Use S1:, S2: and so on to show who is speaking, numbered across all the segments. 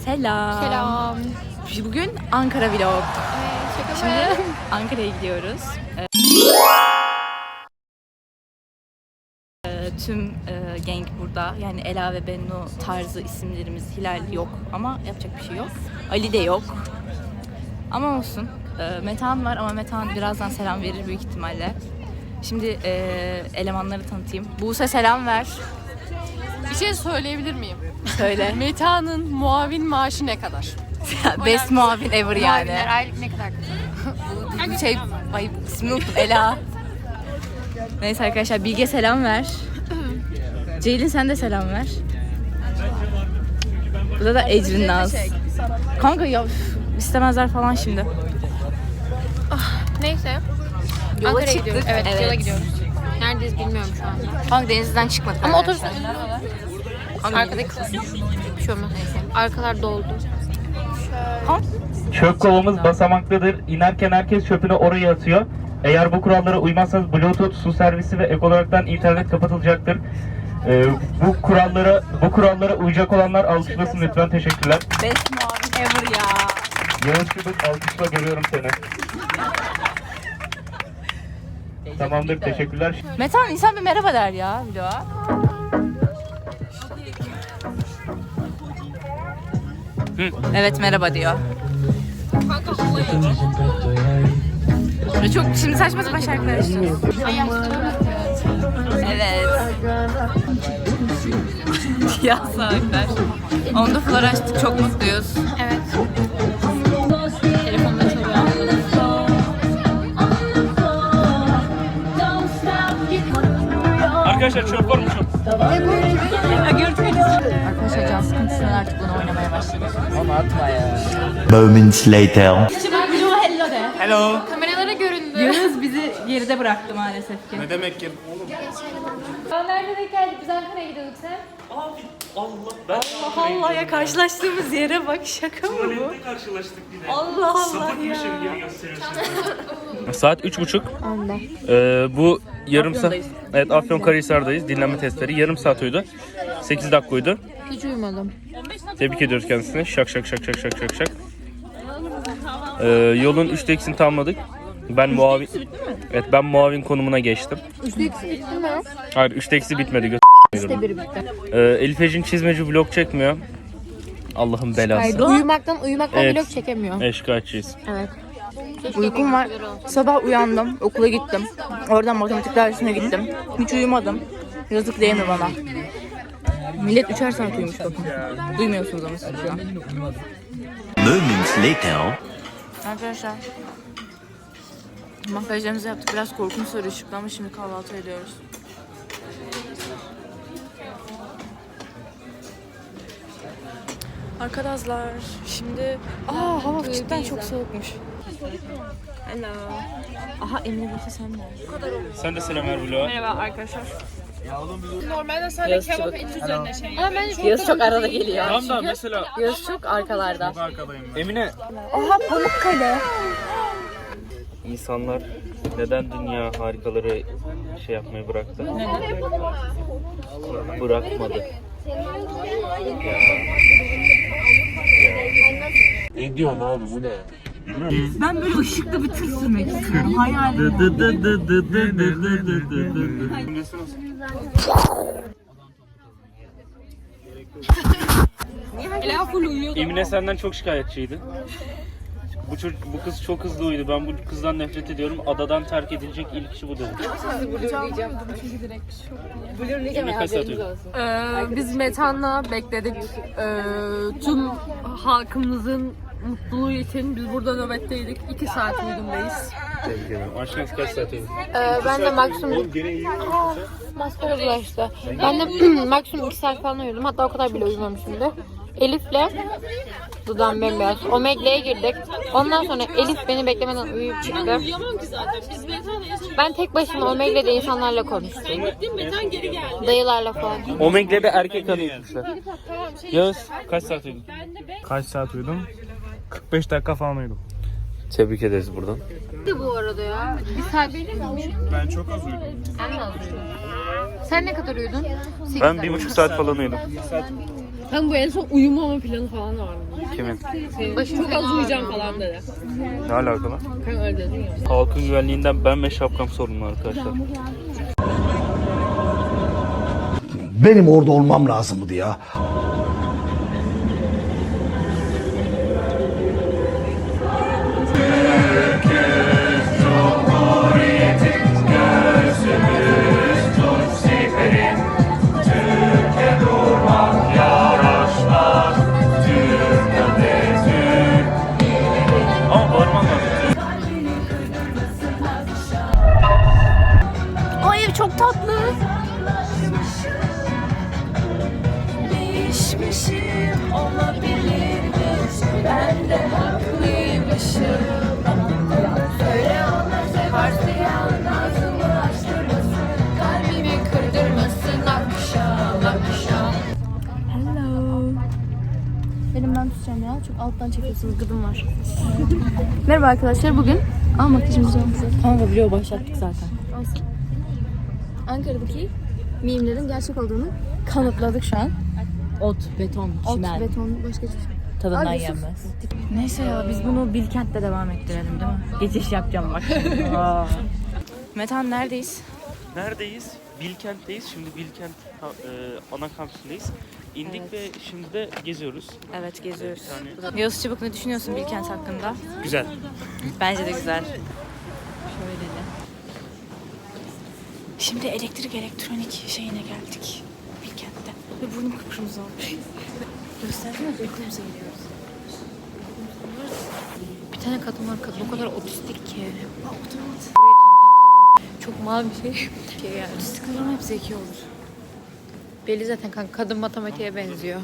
S1: Selam.
S2: Selam.
S1: Bugün Ankara vlog.
S2: Şaka
S1: Şimdi
S2: mı?
S1: Ankara'ya gidiyoruz. Tüm gang burada. Yani Ela ve Bennu tarzı isimlerimiz. Hilal yok ama yapacak bir şey yok. Ali de yok. Ama olsun. Metehan var ama Metehan birazdan selam verir büyük ihtimalle. Şimdi elemanları tanıtayım. Buse selam ver.
S2: Bir şey söyleyebilir miyim?
S1: Söyle.
S2: Meta'nın muavin maaşı ne kadar?
S1: Best muavin ever yani.
S2: Muavinler aylık ne kadar?
S1: Ay ismini unuttum. Ela. Neyse arkadaşlar Bilge selam ver. Ceylin sen de selam ver. Burada da Ecrin Naz. Kanka ya istemezler falan şimdi.
S2: Neyse.
S1: Yola
S2: Ankara'ya
S1: çıktık.
S2: gidiyoruz. Evet,
S1: Evet.
S2: yola gidiyoruz. Neredeyiz bilmiyorum şu anda.
S1: Kanka denizden çıkmadık.
S2: Ama
S1: arkadaşlar.
S2: Arkadaki bir şey olmaz. Arkalar doldu.
S3: Çöp kovamız basamaklıdır. İnerken herkes çöpünü oraya atıyor. Eğer bu kurallara uymazsanız Bluetooth, su servisi ve ek olaraktan internet kapatılacaktır. Bu kurallara uyacak olanlar alkışlasın lütfen. Teşekkürler.
S1: Best muavin ever ya.
S3: Yağız Çubuk alkışla, görüyorum seni. Tamamdır, teşekkürler.
S1: Metehan insan bir merhaba der ya vloga. Evet merhaba diyor. Böyle çok şimdi saçma sapan şarkılar açıyoruz. Evet. Ya saatler. Onda flor açtık, çok mutluyuz.
S2: Evet. Telefonda çalıyor.
S3: Arkadaşlar çöp var mı çöp?
S1: Arkadaşlar can sıkıntısından artık bunu oynamaya başladık.
S4: Moments later.
S3: Hello.
S2: Kameralara göründü.
S1: Yağız bizi geride bıraktı maalesef ki.
S3: Ne demek ki?
S2: Nerede denk geldik? Biz Ankara'ya gidiyorduk sen.
S1: Allah ya karşılaştığımız yere bak, şaka mı bu?
S3: Karşılaştık yine.
S1: Allah Allah ya.
S3: Saat 3:30. Bu yarım saat.
S1: Afyon'dayız.
S3: Evet, Afyonkarahisar'dayız. Dinlenme testleri. Yarım saat uyudu. 8 dakika uyudu.
S2: Hiç uyumadım.
S3: Tebrik ediyoruz kendisini. Şak şak şak şak şak şak şak. Yolun 3'te ikisini tamamladık. Ben muavin. Evet, ben muavin konumuna geçtim.
S2: Üstü ikisi bitti mi?
S3: Hayır, 3'te ikisi bitmedi.
S2: İşte biri bitti.
S3: Elif Ecin çizmeci vlog çekmiyor. Allah'ın belası.
S2: Uyumaktan
S3: Evet.
S2: vlog çekemiyor.
S3: Şikayetçiyiz.
S2: Evet.
S1: Uykum var. Sabah uyandım, okula gittim. Oradan matematik dersine gittim. Hiç uyumadım. Yazık değil mi bana? Millet 3'er saat uyumuş bakın. Duymuyorsunuz ama siz şu an.
S4: Moments later.
S1: Arkadaşlar. Makyajlarımızı yaptık. Biraz korkunç sarı ışıklı ama şimdi kahvaltı ediyoruz. Arkadaşlar şimdi hava cidden çok soğukmuş. Hello. Aha Emre Buse sen de.
S3: Sen de selam ver vloga.
S1: Merhaba arkadaşlar.
S2: Normalde sadece kebap et üzerine şey. Ama ben
S1: Yağız çok arada geliyor.
S3: Tamam da mesela
S1: Yağız çok arkalarda.
S3: Emine.
S1: Aha Pamukkale.
S3: İnsanlar neden dünya harikaları şey yapmayı bıraktı? Bırakmadı.
S4: Ne diyorsun abi, bu ne?
S1: Ben böyle ışıklı bir tır sürmek istiyorum. Hayalim.
S3: Emine senden çok şikayetçiydi. Bu kız çok hızlı uyudu. Ben bu kızdan nefret ediyorum. Adadan terk edilecek ilk kişi bu dedi. Emine kaç saat uyudu?
S2: Biz Metan'la bekledik. Tüm halkımızın mutluluğu için biz burada nöbetteydik. 2 saat uydumdayız.
S3: Tebrik ederim. Aşkınız kaç saat uyudu?
S2: Ben de maksimum... Maskara bulaştı. Ben de maksimum 2 saat falan uyudum. Hatta o kadar bile uyumamışımdır. Elif'le dudağım bembeyaz. Omegle'ye girdik. Ondan sonra Elif beni beklemeden uyuyup çıktı. Ben tek başıma Omegle'de insanlarla konuştum. Dayılarla falan.
S3: Omegle'de erkek arıyormuşlar. Yağız kaç saat uyudun?
S5: Kaç saat uyudum? 45 dakika falan uyudum.
S3: Tebrik ederiz buradan.
S2: Bu arada ya. Bir saat değil mi?
S5: Ben çok az uyudum.
S2: Sen de az uyudun. Sen ne kadar uyudun?
S3: Ben 1,5 saat falan uyudum.
S2: Hem bu en son uyumama planı falan da vardı.
S3: Kimin?
S2: Çok az uyuyacağım falan dedi.
S5: Ne alakalı?
S2: Kanka öyle dedin ya.
S3: Halkın güvenliğinden ben ve şapkam sorumlu arkadaşlar.
S6: Benim orada olmam lazımdı ya.
S3: Ama bağırman lazım.
S1: Ay ev çok tatlı. Değişmişim olabilirmiş. Ben de haklıymışım. Söyle ona seversen ağzımı açtırmasın. Kalbimi kırdırmasın akşam akşam. Hello. Benim ben tutacağım ya. Çok alttan çekiyorsunuz, gıdım var. Merhaba arkadaşlar, bugün makyajımızı yapacağız. Kanka vlog başlattık zaten. Olsun. Ankara'daki mimlerin gerçek olduğunu kanıtladık şu an. Ot, beton, çimen. Ot, beton, başka hiçbir şey. Tadından yenmez. Neyse ya, biz bunu Bilkent'te devam ettirelim değil mi? Geçiş yapacağım bak. Metan neredeyiz?
S3: Neredeyiz? Bilkent'teyiz. Şimdi Bilkent ana kampüsündeyiz. İndik
S1: Evet.
S3: ve şimdi de geziyoruz.
S1: Evet, geziyoruz.
S3: Bir tane-
S1: Yavuz Çabuk, ne düşünüyorsun Bilkent hakkında?
S3: Güzel.
S1: Bence de güzel. Şöyle de. Şimdi elektronik şeyine geldik. Bilkent'te. Ve burnum kıpkırmızı olmuş. Göstersene, uykumuza giriyoruz.
S2: Bir tane kadın var, kadın o kadar otistik ki.
S1: Otomat.
S2: Burayı tanıtan kadın. Çok mavi bir şey.
S1: Yani otistiklerin hep zeki olur.
S2: Belli zaten kanka, kadın matematiğe benziyor.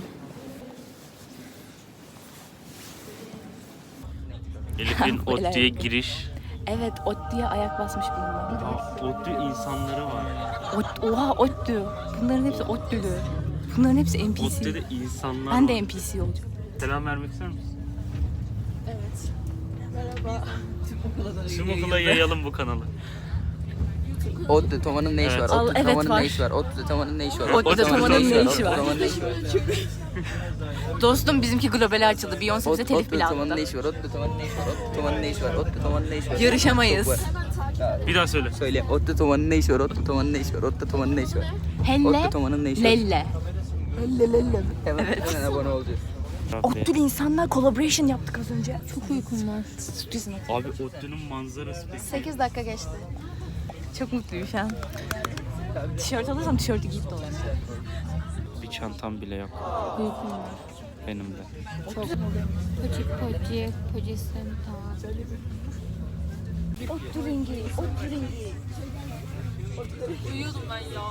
S3: Elif'in
S1: Böyle.
S3: ODTÜ'ye giriş.
S1: Evet, ODTÜ'ye ayak basmış bulunmalı.
S3: ODTÜ insanları var.
S1: Oha, ODTÜ. Bunların hepsi ODTÜ'lü. Bunların hepsi NPC.
S3: ODTÜ'de insanlar
S1: Ben
S3: var.
S1: de NPC olacağım.
S3: Selam vermek ister misin? Evet. Merhaba. Tüm okula yayalım bu kanalı.
S7: ODTÜ Toma'nın ne işi
S3: Evet.
S7: var?
S1: Al,
S7: ODTÜ
S1: evet,
S7: Toma'nın
S1: var.
S7: ne işi var? ODTÜ Toma'nın ne işi var?
S1: ODTÜ Toma'nın ne işi var?
S7: ODTÜ Toma'nın ne işi var?
S1: Dostum, bizimki globale açıldı. Beyoncé bize telif bile
S7: ODTÜ Toma'nın ne
S1: attı.
S7: işi var? ODTÜ Toma'nın ne işi var? ODTÜ Toma'nın ne işi var? ODTÜ Toma'nın ne işi var?
S1: Yarışamayız.
S7: Çok var.
S3: Bir daha söyle.
S7: Söyle. ODTÜ Toma'nın ne işi var? ODTÜ Toma'nın ne işi var? ODTÜ Toma'nın ne işi var?
S1: Helle,
S7: ODTÜ Toma'nın ne işi var?
S1: lelle.
S7: Hemen abone olacağız.
S1: ODTÜ'lü insanlar collaboration yaptık az önce.
S2: Çok uykum var.
S3: Abi ODTÜ'nün manzarası peki.
S1: 8 dakika geçti. Çok mutluyum şu an. Tişört alırsam tişörtü giyip dolayım.
S3: Bir çantam bile yok.
S2: Uykum var.
S3: Benim de.
S2: Çok. Poci senta.
S1: ODTÜ rengi, ODTÜ rengi. Uyuyordum ben ya.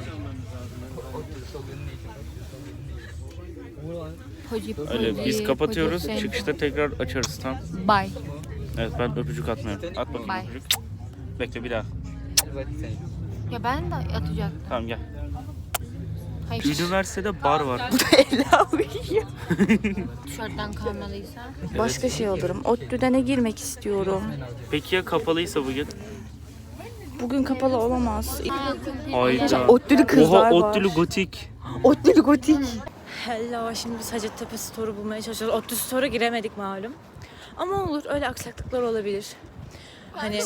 S2: Poci,
S3: Öyle biz kapatıyoruz. Çıkışta tekrar açarız tam.
S2: Bye.
S3: Evet, ben öpücük atmıyorum. At bakayım
S2: Bye.
S3: öpücük. Bekle bir daha.
S2: Ya ben de atacaktım.
S3: Tamam gel.
S2: Hayır.
S3: Üniversitede bar var.
S1: Ela uyuyor.
S2: Tişörtten kalmalıysa.
S1: Başka şey alırım. ODTÜ'de ne girmek istiyorum?
S3: Peki ya kapalıysa bugün?
S1: Bugün kapalı olamaz.
S3: Hayda.
S1: ODTÜ'lü kızlar
S3: Oha,
S1: var.
S3: ODTÜ'lü gotik.
S1: ODTÜ'lü gotik. Hello, şimdi biz Hacettepe Store'u bulmaya çalışıyoruz. ODTÜ Store'a giremedik malum. Ama olur, öyle aksaklıklar olabilir. Hani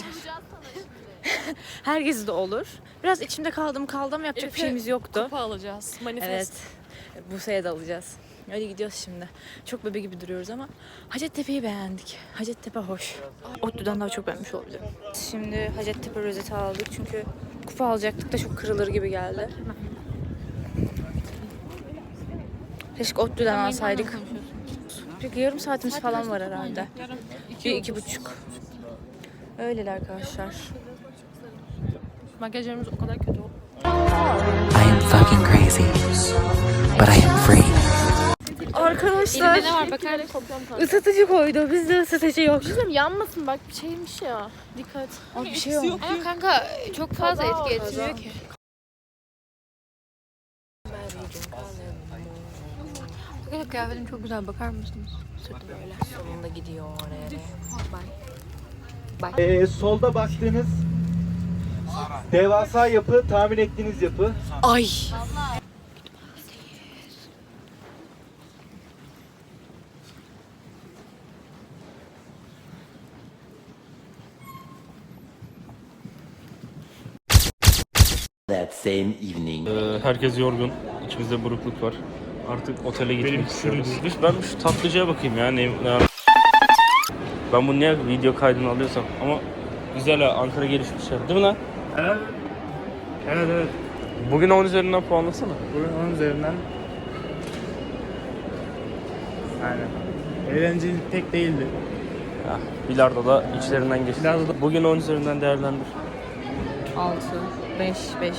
S1: herkes de olur. Biraz içimde kaldım yapacak bir şeyimiz yoktu.
S2: Kupa alacağız. Manifest.
S1: Evet. Bursa'ya da alacağız. Öyle gidiyoruz şimdi. Çok bebe gibi duruyoruz ama Hacettepe'yi beğendik. Hacettepe hoş. ODTÜ'den daha çok beğenmiş olabilirim. Şimdi Hacettepe rozeti aldık çünkü kupa alacaktık da çok kırılır gibi geldi. Keşke ODTÜ'den alsaydık. Peki yarım saatimiz falan var herhalde. 2,5. Öyleler arkadaşlar.
S2: Makyajlarımız o kadar kötü oldu.
S8: I am fucking crazy, but I am free.
S1: Arkadaşlar
S2: Elimde ne var bakar mısın?
S1: ısıtıcı koydu. Bizde ısıtıcı yok.
S2: Yanmasın bak, bir şeymiş ya. Dikkat.
S1: Abi bir şey yok.
S2: Ama kanka çok fazla etki etmiyor ki. Arkadaşlar kıyafetim çok güzel, bakar mısınız? Sırtı böyle.
S1: Sonunda gidiyor oraya.
S9: Solda baktığınız devasa yapı, tahmin ettiğiniz yapı.
S1: Ay.
S4: That same evening.
S3: Herkes yorgun. İçimizde burukluk var. Artık otele gitmek istiyoruz. Ben şu tatlıcıya bakayım ya. Ben bunu niye video kaydını alıyorsam. Ama güzel ha. Ankara gelişmiş şey. Değil mi lan?
S5: Evet. Evet.
S3: Bugün 10 üzerinden puanlasana.
S5: Bugün 10 üzerinden. Aynen. Eğlenceli pek değildi.
S3: Ya, bilardo da içlerinden geçti.
S5: Bilardo
S3: Bugün 10 üzerinden değerlendir.
S1: 6, 5, 5, 5.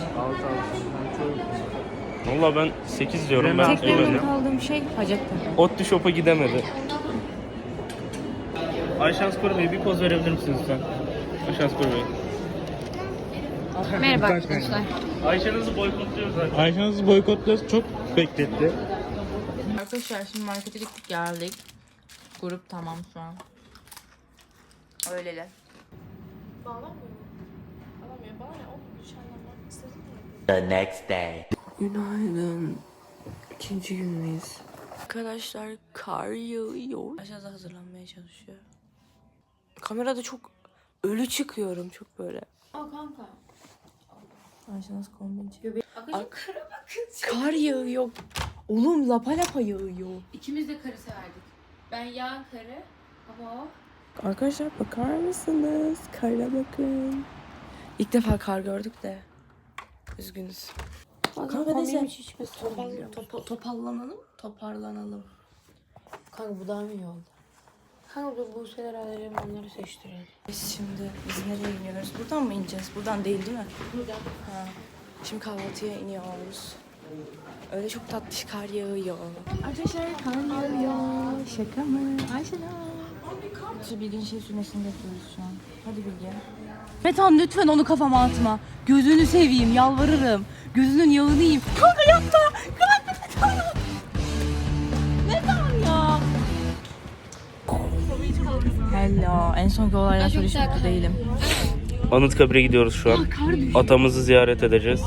S5: 6.
S3: Valla ben 8 diyorum. Ben
S1: Tek memnun
S3: eğlendim.
S1: kaldığım şey Hacettepe.
S3: Otlu Shop'a gidemedi. Ayşen Spor Bey bir poz verebilir misiniz lütfen? Ayşen Spor Bey.
S2: Merhaba arkadaşlar.
S3: Ayşen'inizi boykotluyoruz zaten.
S5: Ayşeniz'i boykotluyoruz. Çok bekletti.
S1: Arkadaşlar şimdi markete gittik geldik. Grup tamam şu an. Öyleler.
S4: The next day.
S1: Günaydın. İkinci gündeyiz. Arkadaşlar kar yağıyor. Aşağıda hazırlanmaya çalışıyor. Kamerada çok ölü çıkıyorum çok böyle.
S2: Kanka.
S1: Ayşe nasıl kombin çekiyor? Kar yağıyor. Oğlum lapa lapa yağıyor.
S2: İkimiz de karı severdik. Ben yağan karı ama o.
S1: Arkadaşlar bakar mısınız? Kara bakın. İlk defa kar gördük de. Üzgünüz. Kanka neyse. Toparlanalım.
S2: Kanka bu daha mı iyi oldu? Kanka bu şeyler alalım onları seçtirelim.
S1: Biz nereye iniyoruz? Buradan mı ineceğiz? Buradan değil mi?
S2: Buradan.
S1: Ha. Şimdi kahvaltıya iniyoruz. Öyle çok tatlış kar yağıyor. Arkadaşlar kar yağıyor. Şaka mı? Ayşe'la. Şu Bilge'nin şey sürmesini bekliyoruz şu an. Hadi Bilge. Metan lütfen onu kafama atma. Gözünü seveyim, yalvarırım. Gözünün yağını yiyeyim. Kanka yapma. Kanka Metan. Metan ya. Hello. En sonki olaydan sonra hiç mutlu değilim.
S3: Anıtkabir'e gidiyoruz şu an. Atamızı ziyaret edeceğiz.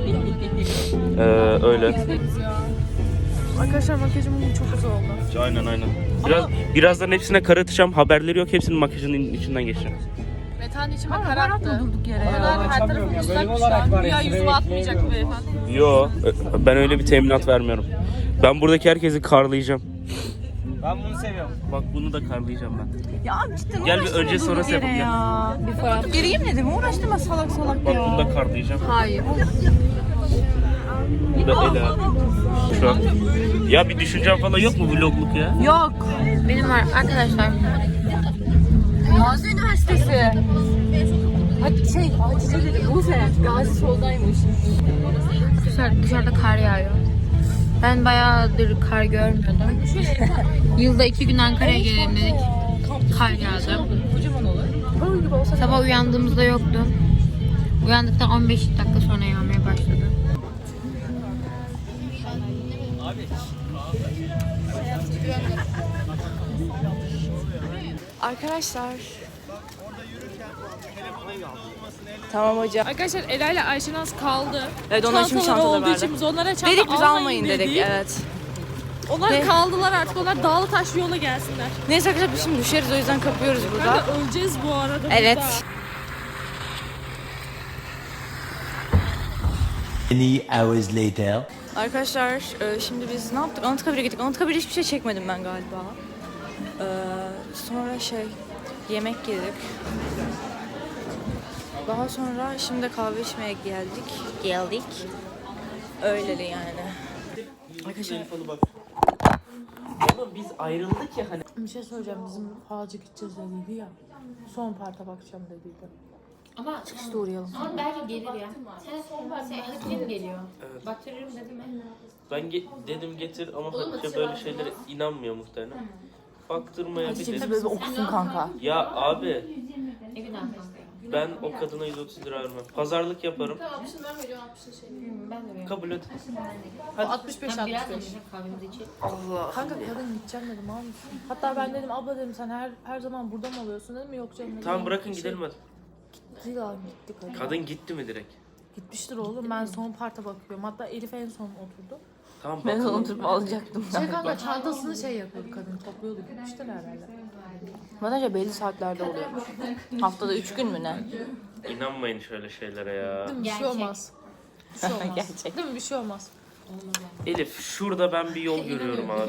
S3: Öyle.
S1: Arkadaşlar makyajım çok güzel oldu.
S3: Aynen. Birazdan hepsine kar atacağım. Haberleri yok. Hepsinin makyajının içinden geçeceğim.
S2: Metan içime
S1: Kar attı. Durduk yere ya.
S2: her tarafı ıslak şu an. Güya yüzüme atmayacak bu beyefendi.
S3: Yo, ben öyle bir teminat vermiyorum. Ben buradaki herkesi karlayacağım.
S5: Ben bunu seviyorum.
S3: Bak bunu da karlayacağım ben.
S1: Ya cidden
S3: Gel bir
S1: uğraştırma
S3: önce sonrası
S1: durduk yere
S3: yapalım,
S1: ya. Bir fotoğraf. Gireyim dedim uğraştırma salak
S3: Bak
S1: ya.
S3: bunu da karlayacağım.
S2: Hayır.
S3: Bu da Ela. Şu an. Ya bir düşüncem falan yok mu vlogluk ya?
S1: Yok.
S2: Benim var arkadaşlar.
S1: Gazi Üniversitesi. Hatice dedi Buse. Gazi soldaymış.
S2: Dışarıda kar yağıyor. Ben bayağıdır kar görmüyordum. Yılda 2 gün Ankara'ya gelelim dedik. Kar yağdı. Sabah uyandığımızda yoktu. Uyandıktan 15 dakika sonra yağmaya başladı.
S1: Arkadaşlar. Tamam hocam.
S9: Arkadaşlar Ela ile Ayşenaz kaldı.
S1: Evet onlar şimdi
S9: Çantaları
S1: çantaları
S9: olduğu
S1: verdi.
S9: için biz onlara çanta
S1: Dedik biz almayın
S9: dedik.
S1: dedik evet.
S9: Onlar
S1: Ve-
S9: kaldılar artık. Onlar dağlı taşlı yola gelsinler.
S1: Neyse arkadaşlar biz şimdi düşeriz o yüzden kapıyoruz burada.
S9: Kanka öleceğiz bu arada
S1: Evet.
S9: burada.
S4: Many hours later.
S1: Arkadaşlar şimdi biz ne yaptık? Anıtkabir'e gittik. Anıtkabir'de hiçbir şey çekmedim ben galiba. Sonra yemek yedik. Daha sonra şimdi kahve içmeye geldik. Öyleli yani. Arkadaşlar
S3: Oğlum biz ayrıldık ya hani.
S10: Bir şey söyleyeceğim. Bizim falcı gideceğiz dediydi ya. Son parta bakacağım dediydi.
S2: Ama
S10: Çıkışta uğrayalım.
S2: ama belki gelir ya. Sen Hatice geliyor? Baktırırım dedim ben.
S3: Ben dedim getir ama Hatice böyle şeylere inanmıyor muhtemelen. Baktırmaya bir
S1: bize
S3: dedim.
S1: böyle okusun kanka.
S3: Ya abi
S2: Evin arkasında.
S3: ben o kadına 130 lira vermem. Pazarlık yaparım.
S2: Ben de böyle.
S3: Kabul et.
S10: 65
S2: Ben biraz
S10: 65.
S2: da kahvemizi içelim.
S10: Kanka kadın gideceğim dedim al mısın? Hatta ben dedim abla dedim sen her zaman burada mı oluyorsun dedim yok canım dedim.
S3: Tamam bırakın gidelim hadi.
S10: Gitti lan gitti kadın.
S3: Kadın gitti mi direkt?
S10: Gitmiştir oğlum ben son parta bakıyorum. Hatta Elif en son oturdu.
S3: Tamam
S1: Ben
S3: bakalım.
S1: unutup alacaktım.
S10: Kanka çantasını yapıyordu kadın topluyordu gitmiştir herhalde.
S1: Bence belli saatlerde oluyormuş. Haftada 3 gün mü ne?
S3: İnanmayın şöyle şeylere ya.
S10: Bir şey olmaz. Bir şey olmaz.
S1: Gerçek.
S10: Değil mi? Bir şey olmaz.
S3: Elif şurada ben bir yol görüyorum abi.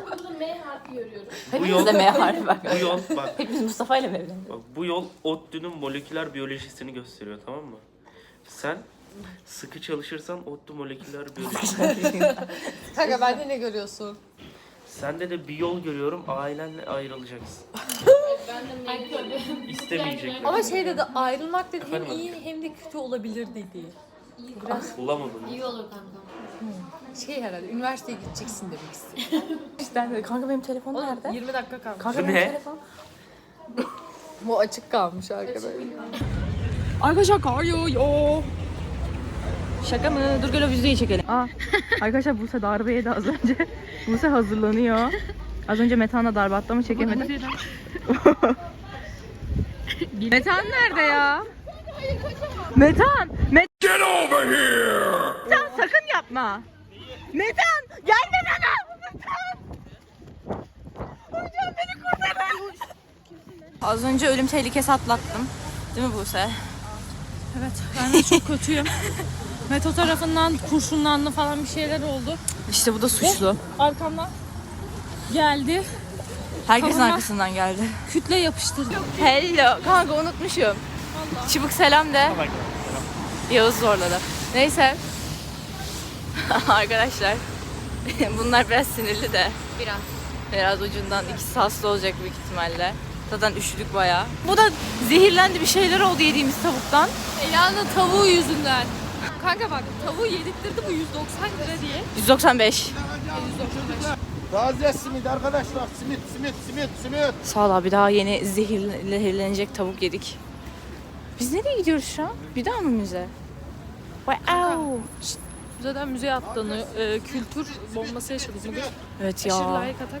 S3: Bu
S1: Hepimiz
S3: yol,
S1: de M harfi bak.
S3: bu yol bak.
S1: Hepimiz Mustafa ile mi evlendik?
S3: Bak bu yol ODTÜ'nün moleküler biyolojisini gösteriyor, tamam mı? Sen sıkı çalışırsan ODTÜ moleküler biyoloji.
S10: Kanka bende ne görüyorsun?
S3: Sende de bir yol görüyorum, ailenle ayrılacaksın. İstemeyecekler.
S10: Ama şey dedi, ayrılmak dedi hem
S3: Efendim?
S10: iyi hem de kötü olabilir dedi.
S3: Bulamadım.
S10: Şey herhalde, üniversiteye gideceksin demek istiyor.
S1: İşte dedi, kanka benim telefon nerede?
S10: 20 dakika kalmış.
S1: Kanka
S3: Bu
S1: benim
S3: ne?
S1: telefon.
S10: Bu açık kalmış arkadaşlar.
S1: Arkadaşlar kar yağıyor. Şaka mı? Dur gel o videoyu çekelim. Arkadaşlar Buse darbe yedi az önce. Buse hazırlanıyor. Az önce Metehan'a darbe attı ama çekemedim. Metehan nerede ya? Metehan! Get over here! Metehan sakın yapma. Metehan! Gelme bana! Metehan! Hocam beni kurtarın! Az önce ölüm tehlikesi atlattım. Değil mi Buse?
S9: Evet ben de çok kötüyüm. Meto tarafından kurşunlandı falan bir şeyler oldu.
S1: İşte bu da suçlu.
S9: Arkamdan geldi.
S1: Herkesin
S9: Kafama-
S1: arkasından geldi.
S9: Kütle yapıştırdı.
S1: Hello. Kanka unutmuşum. Çubuk selam de. Yağız zorladı. Neyse. Arkadaşlar. Bunlar biraz sinirli de. Biraz ucundan ikisi hasta olacak büyük ihtimalle. Zaten üşüdük bayağı. Bu da zehirlendi, bir şeyler oldu yediğimiz tavuktan.
S9: Ela'nın tavuğu yüzünden. Kanka bak tavuğu yedirttirdi bu 190 lira diye.
S1: 195.
S6: Taze simit arkadaşlar. Simit.
S1: Sağ ol abi, daha yeni zehirlenecek tavuk yedik. Biz nereye gidiyoruz şu an? Bir daha mı müze? Wow.
S9: Zaten müzeye attığını kültür bombası yaşadık bugün.
S1: Evet
S9: Aşırı
S1: ya.
S9: layık atak.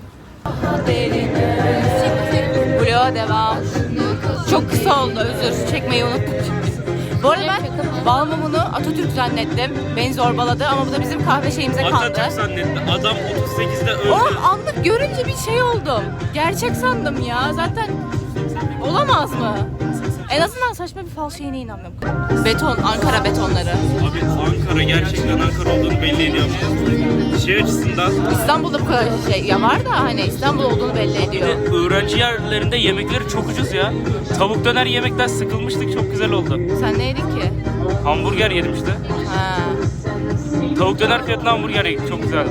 S1: Vloga devam. Çok kısa oldu, özür çekmeyi unuttuk. Bu arada ben bal mumunu Atatürk zannettim. Beni zorbaladı ama bu da bizim kahve şeyimize kaldı.
S3: Atatürk zannetti. Adam 38'de öldü.
S1: Oğlum anlık görünce bir şey oldum. Gerçek sandım ya. Zaten olamaz mı? En azından saçma bir fal şeyine inanmıyorum. Beton, Ankara betonları.
S3: Abi Ankara gerçekten Ankara olduğunu belli ediyor. Şey açısından
S1: İstanbul'da bu kadar şey ya var da hani İstanbul olduğunu belli ediyor.
S3: öğrenci yerlerinde yemekleri çok ucuz ya. Tavuk döner yemekten sıkılmıştık, çok güzel oldu.
S1: Sen ne yedin ki?
S3: Hamburger yedim işte.
S1: Ha.
S3: Tavuk döner fiyatına hamburger yedik, çok güzeldi.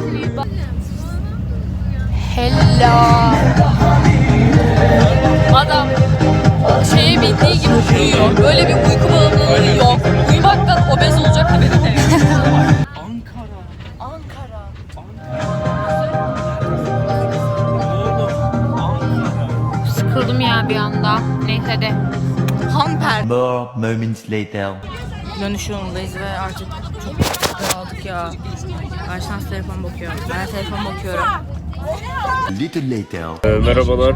S2: Hello.
S9: Adam şeye bindiği gibi uyuyor. Böyle bir uyku bağımlılığı yok. Uyumaktan obez olacak haberi de yok.
S2: Sıkıldım ya bir anda. Neyse de.
S1: Hamper.
S4: More moments later.
S1: Dönüş yolundayız ve artık çok dağıldık ya. Ayşans telefon bakıyor. Ben de telefon bakıyorum.
S4: A little later.
S3: Merhabalar.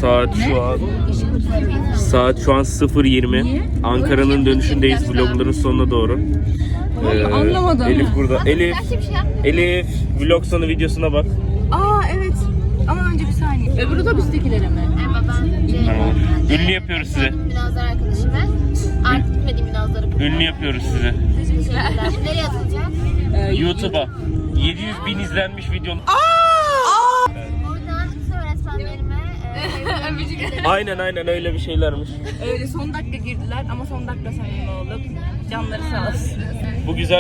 S3: Saat şu an 0:20. Ankara'nın dönüşündeyiz, vlogların sonuna doğru.
S1: Anlamadım.
S3: Elif burada. Elif vlog sonu videosuna bak.
S1: Aa evet. Ama önce bir saniye. Öbür otobüstekilere mi?
S3: Ünlü yapıyoruz size.
S11: Binazlar arkadaşım ben. Artık gitmediğim binazları.
S3: Ünlü yapıyoruz size.
S11: Teşekkürler. Nereye atılacak?
S3: YouTube'a 700.000 izlenmiş videonun.
S11: Oradan bütün öğretmenlerime
S3: Aynen öyle bir şeylermiş.
S1: Öyle son dakika girdiler ama son dakika samimi olduk. Canları sağ olsun.
S3: Bu güzel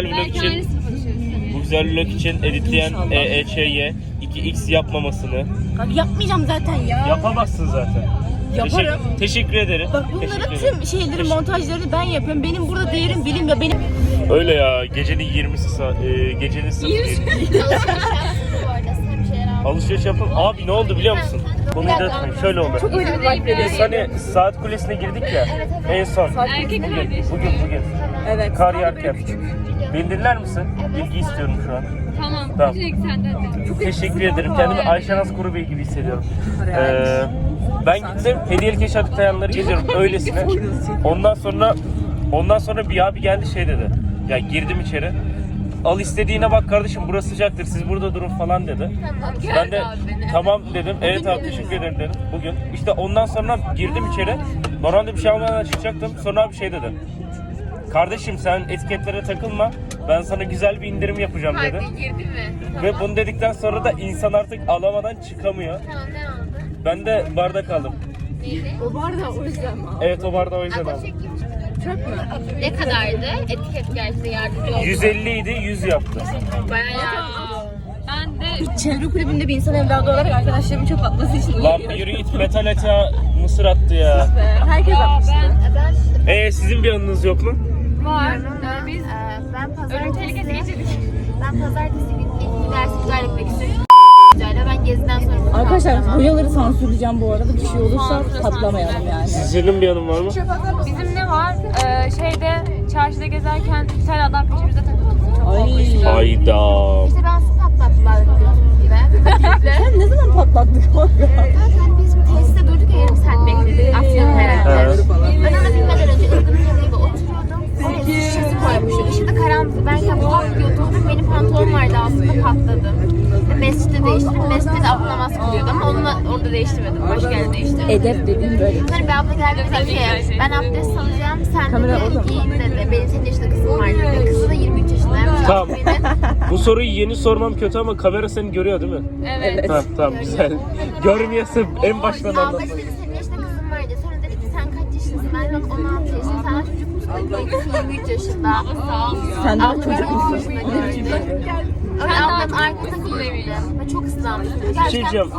S3: vlog için editleyen EEÇ'ye 2x yapmamasını
S1: Abi yapmayacağım zaten ya.
S3: yapamazsın zaten.
S1: Yaparım.
S3: Teşekkür ederim.
S1: Bak
S3: Teşekkür
S1: bunların
S3: ederim.
S1: tüm şeyleri, montajlarını ben yapıyorum. Benim burada değerim bilim ya benim.
S3: Öyle ya, gecenin 20'si gecenin 0:20.
S11: bu arada size bir şeyler aldım.
S3: Alışveriş yapalım. Abi ne oldu biliyor musun? Konuyu da tutmayın. Şöyle oldu. Çok
S1: öyle bir vibe veriyor.
S3: Biz hani saat kulesine girdik ya. En son. Bugün.
S1: Evet.
S3: Kar yağarken. Beni dinler misin? Bilgi istiyorum şu an. Tamam. Çok teşekkür ederim. Kendimi Ayşenaz Kurubey gibi hissediyorum. Ben gittim. Hediyelik eşya dükkanları geziyorum öylesine. Ondan sonra bir abi geldi şey dedi. Ya girdim içeri. Al istediğine bak kardeşim, burası sıcaktır, siz burada durun falan dedi. Ben de tamam dedim. Evet abi teşekkür ederim dedim. Bugün. İşte ondan sonra girdim içeri. Normalde bir şey almadan çıkacaktım. Sonra abi şey dedi. kardeşim sen etiketlere takılma. Ben sana güzel bir indirim yapacağım dedi.
S11: Girdi mi?
S3: Ve bunu dedikten sonra da insan artık alamadan çıkamıyor.
S11: Tamam ne oldu?
S3: Ben de bardak aldım.
S11: Neydi?
S3: Evet o bardağı o yüzden aldım.
S11: Ne kadardı? Etiket gelse yardımcı oldu.
S3: 150 idi 100 yaptı.
S11: Bayağı yardımcı.
S9: Ben de
S1: Çevre kulübünde bir insan evladı olarak arkadaşlarımın çok atması için
S3: Lan bir yürü git metal ata mısır attı ya.
S1: herkes atmıştı.
S3: Sizin bir anınız yok mu?
S9: var.
S11: Biz ben pazartesi günü ilk dersi iptal etmek istedim. Ben geziden sonra
S1: Arkadaşlar boyaları sansürleyeceğim bu arada. Bir şey olursa patlamayalım yani.
S3: Sizin bir anın var mı?
S9: Bizim ne var? Şeyde çarşıda gezerken bir tane adam peşimize takıldı. Çok
S1: Ay.
S3: Hayda.
S11: İşte ben su patlattılar gibi.
S1: Sen ne zaman patlattık kanka?
S11: Zaten biz tesiste durduk ya yarım saat bekledik. Asya'nın herhalde. Ben ona binmeden önce ılgının yanında oturuyordum. Oraya su şişesi koymuşum. Işıkta karanlık. Ben ya bu atlıyordum. Benim pantolonum vardı aslında patladı. Mescitte değiştirdim. Mescitte de abla namaz kılıyordu ama onunla orada değiştirmedim. Başka yerde değiştirdim.
S1: Edep dediğin böyle.
S11: Sonra bir abla geldi dedi ki ben abdest alacağım. Sen
S1: Kamera orada mı?
S11: de giyin dedi. Benim 8 yaşında kızım var dedi. Kızı da 23 yaşındaymış.
S3: Tamam.
S11: Benim.
S3: Bu soruyu yeni sormam kötü ama kamera seni görüyor değil mi?
S9: Evet.
S3: Ha, tamam güzel. Görmüyorsa en baştan
S11: Abla
S3: anlat.
S11: dedi senin yaşında kızım var dedi. Sonra dedi ki sen kaç yaşındasın? Ben de 16 yaşındayım. Sen çocuk musun? Dedi. Kızım 23 yaşında.
S1: Sen daha
S11: Abla
S1: çocuk musun?
S11: 13 yaşında gördü. Öyle ablam arkada kullanıyordu. Ve çok ıslanmıştım.
S3: Bir şey diyeceğim.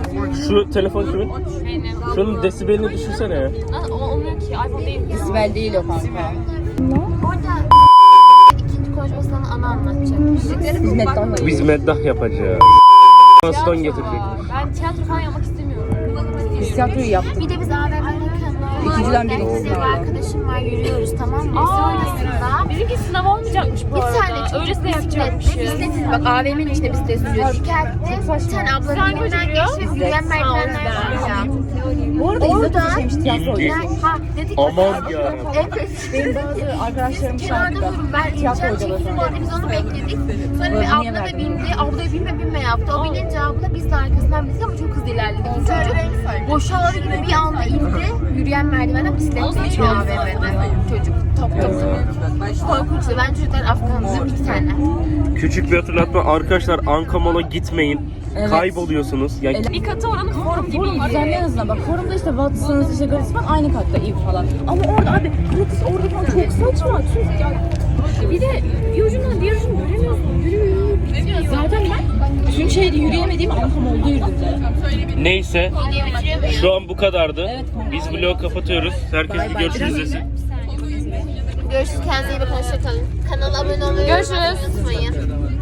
S3: Şu telefon kimin?
S9: Benim.
S3: Şunun desibelini düşünsene ya.
S9: Olmuyor ki. iPhone değil.
S1: Sibel değil o kanka.
S11: Orada ikinci konuşmasından ana anlatacakmış.
S1: Hizmetten
S3: Biz meddah yapacağız. Aston getirecek.
S9: Ben tiyatro falan yapmak istemiyorum.
S1: Biz tiyatroyu yaptık.
S11: Bir de biz AVM'de
S1: İkinciden biri
S11: benim
S1: oldu.
S11: bir arkadaşım var yürüyoruz tamam mı? Sonrasında
S9: Bizimki sınav olmayacakmış bu
S11: bir
S9: arada.
S11: tane çocuk
S9: Öylesine yapacakmışız.
S11: bisikletin bak AVM'nin içinde bisiklet sürüyor. Şikayette bir tane ablanın
S9: Hangi
S11: önünden
S9: hoca
S11: geçti ve yürüyen merdivenler var ya.
S1: Bu arada İzzet Hoca şeymiş tiyatro hocası.
S11: Ha dedik
S3: Aman ya.
S11: evet.
S1: Benim bazı arkadaşlarım
S11: Kenarda
S1: şarkıda.
S11: durun ben
S1: Tiyatro
S11: ineceğim
S1: hocaları.
S11: çekilin dedi biz onu bekledik. Sonra
S1: Niye
S11: bir abla da
S1: verdin?
S11: bindi. Abla binme yaptı. O binince abla biz de arkasından bindik ama çok hızlı ilerledik. Çocuk boşalır gibi bir anda indi. Yürüyen merdivenden bisikletle geçiyor AVM'de. Çocuk top. Korkunçtu. Ben çocuklar Afgan'da bir tane.
S3: Küçük bir hatırlatma arkadaşlar Ankamol'a gitmeyin.
S1: Evet.
S3: Kayboluyorsunuz. Yani
S9: Bir katı oranın forum gibi.
S1: Forum düzenli en azından. Bak forumda işte Watson's, işte Gratis falan aynı katta iyi falan. Ama orada abi Gratis orada falan çok saçma. Çünkü ya
S9: Bir de bir ucundan diğer ucunu göremiyorsun. Yürüyor.
S1: zaten ben tüm şehirde yürüyemediğim Ankam oldu yürüdüm zaten.
S3: neyse şu an bu kadardı.
S1: Evet.
S3: Biz vlogu kapatıyoruz. Herkes bir görüşürüz desin.
S11: Görüşürüz. Kendinize iyi bakın. Hoşçakalın. Kanala abone olmayı unutmayın.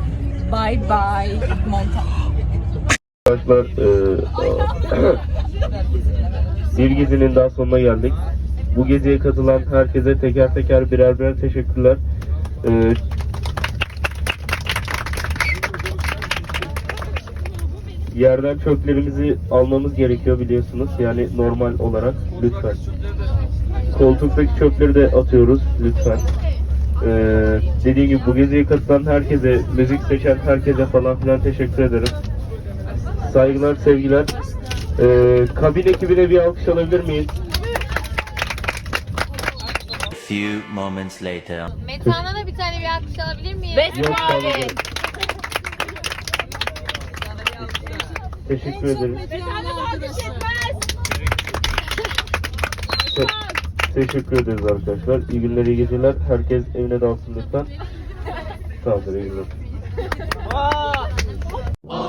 S1: Bye bye. Monta.
S3: Arkadaşlar bir gezinin daha sonuna geldik. Bu geziye katılan herkese teker teker birer teşekkürler. Yerden çöplerimizi almamız gerekiyor biliyorsunuz. Yani normal olarak lütfen. Koltuktaki çöpleri de atıyoruz lütfen. Dediğim gibi bu geziye katılan herkese, müzik seçen herkese falan filan teşekkür ederim. Saygılar, sevgiler. Kabin ekibine bir alkış alabilir miyiz?
S4: Few moments later.
S11: Metan'a da bir tane bir alkış alabilir miyim?
S3: Yok, tamam. Teşekkür ederim. Teşekkür ederiz arkadaşlar. İyi günler, iyi geceler. Herkes evine dalsın lütfen. Tamamdır, iyi günler.